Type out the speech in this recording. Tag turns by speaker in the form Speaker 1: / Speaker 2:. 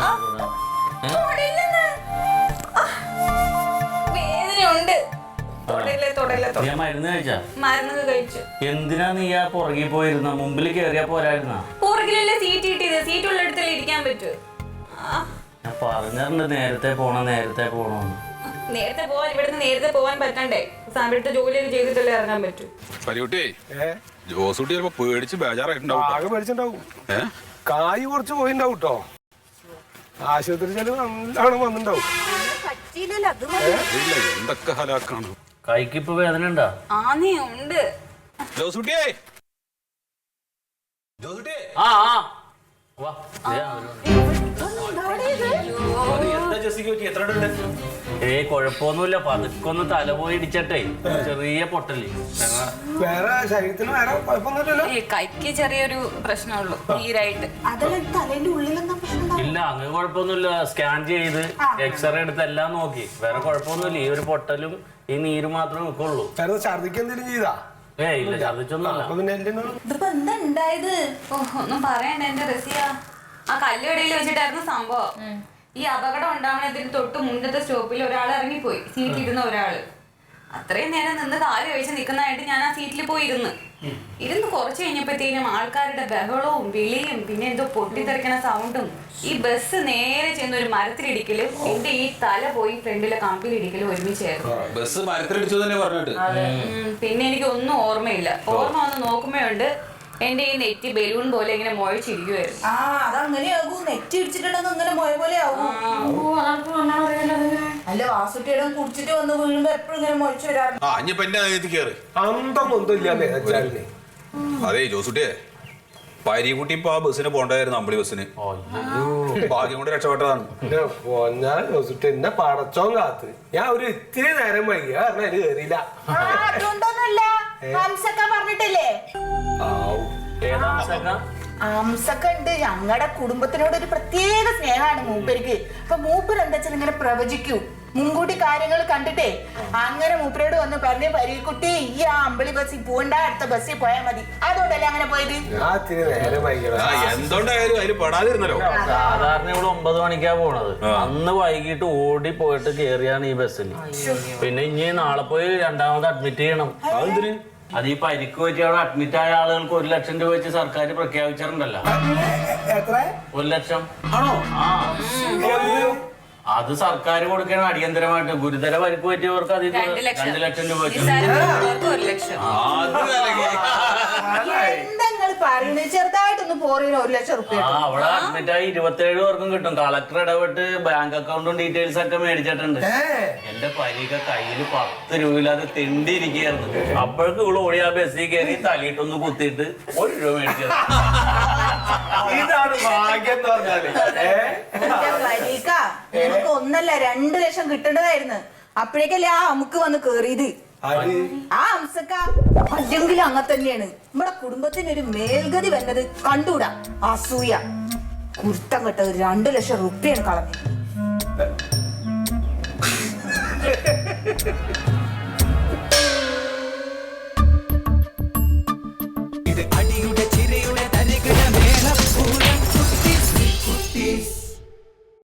Speaker 1: മരുന്ന് കഴിച്ചു.
Speaker 2: എന്തിനാ നീ ആ പുറകിൽ പോയിരുന്ന? മുമ്പിൽ കേറിയാ പോരായിരുന്ന?
Speaker 1: പുറകിലല്ലേ സീറ്റ് കിട്ടിയത്, സീറ്റ് ഉള്ളിടത്തല്ലേ ഇരിക്കാൻ പറ്റൂ.
Speaker 2: ഞാൻ പറഞ്ഞിട്ടുണ്ട് നേരത്തെ പോണോന്ന്.
Speaker 1: നേരത്തെ പോവാൻ, ഇവിടുന്ന് നേരത്തെ പോവാൻ പറ്റണ്ടേ? ഇവിടുത്തെ ജോലിയൊക്കെ ചെയ്തിട്ടല്ലേ ഇറങ്ങാൻ പറ്റൂ.
Speaker 3: ജോസൂട്ടി ചിലപ്പോ പേടിച്ച് ബേജാറായിട്ടുണ്ടാവും.
Speaker 4: ആകെ പേടിച്ചിട്ടുണ്ടാവും. കായ് കുറച്ച് പോയിണ്ടാവും കേട്ടോ. ആശുപത്രി ചെലവ് നല്ലോണം വന്നിണ്ടാവും.
Speaker 3: എന്തൊക്കെ ഹലാക്കാണ്.
Speaker 2: കൈക്ക് ഇപ്പൊ വേദന ഉണ്ടാ?
Speaker 1: ആന്നേ ഉണ്ട്.
Speaker 3: ജോസൂട്ടിയേ,
Speaker 2: കൊഴപ്പൊന്നുമില്ല. പതുക്കൊന്ന് തല പോയി ഇടിച്ചട്ടെ, ചെറിയ പൊട്ടല്.
Speaker 4: വേറെ ശരീരത്തിന് വേറെ കുഴപ്പമൊന്നുമില്ലല്ലോ.
Speaker 1: കൈക്ക് ചെറിയൊരു പ്രശ്നമുള്ളൂ, നീരായിട്ട്.
Speaker 2: ഇല്ല, അങ്ങനെ കുഴപ്പമൊന്നുമില്ല. സ്കാൻ ചെയ്ത് എക്സ്റേ എടുത്ത് എല്ലാം നോക്കി, വേറെ കുഴപ്പമൊന്നുമില്ല. ഈ ഒരു പൊട്ടലും ഈ നീര് മാത്രമേ നിൽക്കുള്ളൂ.
Speaker 4: ഛർദിക്ക് എന്തെങ്കിലും ചെയ്താ?
Speaker 2: ഇല്ല, ഛർദിച്ചൊന്നുമല്ല.
Speaker 1: ഒന്നും പറയണ്ട എന്റെ റസിയ. ആ കല്ലുകടയിൽ വെച്ചിട്ടായിരുന്നു സംഭവം. ഈ അപകടം ഉണ്ടാവുന്നതിന് തൊട്ട് മുന്നത്തെ സ്റ്റോപ്പിൽ ഒരാൾ ഇറങ്ങിപ്പോയി, സീറ്റിലിരുന്ന ഒരാള്. അത്രയും നേരം നിന്ന് കാല് കഴിച്ച് നിൽക്കുന്നതായിട്ട് ഞാൻ ആ സീറ്റിൽ പോയി ഇരുന്ന് കുറച്ച് കഴിഞ്ഞപ്പോഴത്തേനും ആൾക്കാരുടെ ബഹളവും വിളിയും പിന്നെ എന്തോ പൊട്ടിത്തെറിക്കണ സൗണ്ടും, ഈ ബസ് നേരെ ചെന്ന് ഒരു മരത്തിലിടിക്കലും എന്റെ ഈ തല പോയി ഫ്രണ്ടിലെ കമ്പിലിടിക്കലും ഒരുമിച്ചായിരുന്നു.
Speaker 3: ബസ് മരത്തിലിടിച്ചു തന്നെ പറഞ്ഞിട്ട്.
Speaker 1: പിന്നെ എനിക്ക് ഒന്നും ഓർമ്മയില്ല. ഓർമ്മ വന്ന് നോക്കുമ്പോഴുണ്ട് എന്റെ ഈ നെറ്റി ബലൂൺ പോലെ ഇങ്ങനെ മുഴച്ചിരിക്കുവായിരുന്നു.
Speaker 5: അതങ്ങനെയാകൂ, നെറ്റി ഇടിച്ചിട്ടുണ്ടെങ്കിൽ അങ്ങനെ മുഴ പോലെ ആവും. അല്ല, വാസുട്ടിയുടെ കുടിച്ചിട്ട് വന്ന് വീഴുമ്പോ എപ്പോഴും ഇങ്ങനെ മുഴച്ചു വരാറുണ്ട്.
Speaker 3: അതെ ജോസുട്ടിയെ, പരികുട്ടി ഇപ്പൊ ആ ബസ്സിന് പോണ്ടായിരുന്നു, അമ്പളി ബസ്സിന്. ഭാഗ്യം കൊണ്ട് രക്ഷപ്പെട്ടതാണ്.
Speaker 4: എന്നെ പടച്ചോൻ കാത്ത് ഞാൻ ഒരു ഇത്തിരി നേരം വൈകിയ കാരണം അതിന് കയറിയില്ല.
Speaker 5: അതുകൊണ്ടൊന്നുമല്ല, പറഞ്ഞിട്ടില്ലേ അംസക്ക ഉണ്ട്. ഞങ്ങളുടെ കുടുംബത്തിനോട് ഒരു പ്രത്യേക സ്നേഹമാണ് മൂപ്പർക്ക്. അപ്പൊ മൂപ്പർ എന്താ വെച്ചാൽ ഇങ്ങനെ പ്രവചിക്കൂ, മുൻകൂട്ടി കാര്യങ്ങൾ കണ്ടിട്ടേ. അങ്ങനെ മൂപ്പരോട് വന്ന് പറഞ്ഞു, പരിക്കുട്ടി ഈ ആ അമ്പളി ബസ്സിൽ പോകണ്ട, അടുത്ത ബസ്സിൽ പോയാൽ മതി. അതുകൊണ്ടല്ലേ അങ്ങനെ പോയത്.
Speaker 3: എന്തുകൊണ്ടായാലും അതിൽ പെടാതിരുന്നല്ലോ.
Speaker 2: സാധാരണ ഇവിടെ 9 മണിക്കാ പോണത്. അന്ന് വൈകിട്ട് ഓടി പോയിട്ട് കേറിയാണ് ഈ ബസ്സിൽ. പിന്നെ ഇനി നാളെ പോയി രണ്ടാമത് അഡ്മിറ്റ് ചെയ്യണം. അത് ഈ പരിക്ക് വെച്ച് അവിടെ അഡ്മിറ്റ് ആയ ആളുകൾക്ക് 1 ലക്ഷം രൂപ വെച്ച് സർക്കാർ പ്രഖ്യാപിച്ചിട്ടുണ്ടല്ലോ. 1 ലക്ഷം ആണോ? അത് സർക്കാർ കൊടുക്കണം അടിയന്തരമായിട്ട്. ഗുരുതര പരിക്ക് പറ്റിയവർക്ക് അതിൽ 2 ലക്ഷം രൂപ വെച്ച്.
Speaker 5: ചെറുതായിട്ടൊന്ന് പോറിന് 1 ലക്ഷം റുപ്യ.
Speaker 2: അവിടെ അഡ്മിറ്റ് ആയി 27 പേർക്കും കിട്ടും. കളക്ടർ ഇടപെട്ട് ബാങ്ക് അക്കൗണ്ടും ഡീറ്റെയിൽസ് ഒക്കെ മേടിച്ചിട്ടുണ്ട്. എന്റെ പരിക്ക് കയ്യിൽ 10 രൂപയില്ലാതെ തെണ്ടിയിരിക്കുകയായിരുന്നു. അപ്പോഴേക്ക് ഇവിടെ ഓടി ആ ബസ്സിൽ കയറി തലയിട്ടൊന്ന് കുത്തിയിട്ട് 1 രൂപ മേടിച്ചത്.
Speaker 4: ഇതാണ് ഭാഗ്യം എന്ന് പറഞ്ഞാല്.
Speaker 5: എനിക്ക് 1 അല്ല 2 ലക്ഷം കിട്ടേണ്ടതായിരുന്നു. അപ്പോഴേക്കല്ലേ ആ അമുക്ക് വന്ന് കേറിയത്. ആ അംസക്ക അല്ലെങ്കിൽ അങ്ങനെ തന്നെയാണ്. നമ്മുടെ കുടുംബത്തിന് ഒരു മേൽഗതി വന്നത് കണ്ടുകൂടാ. അസൂയ കുരുത്തം കെട്ടത് 2 ലക്ഷം റുപ്യാണ് കളഞ്ഞത്.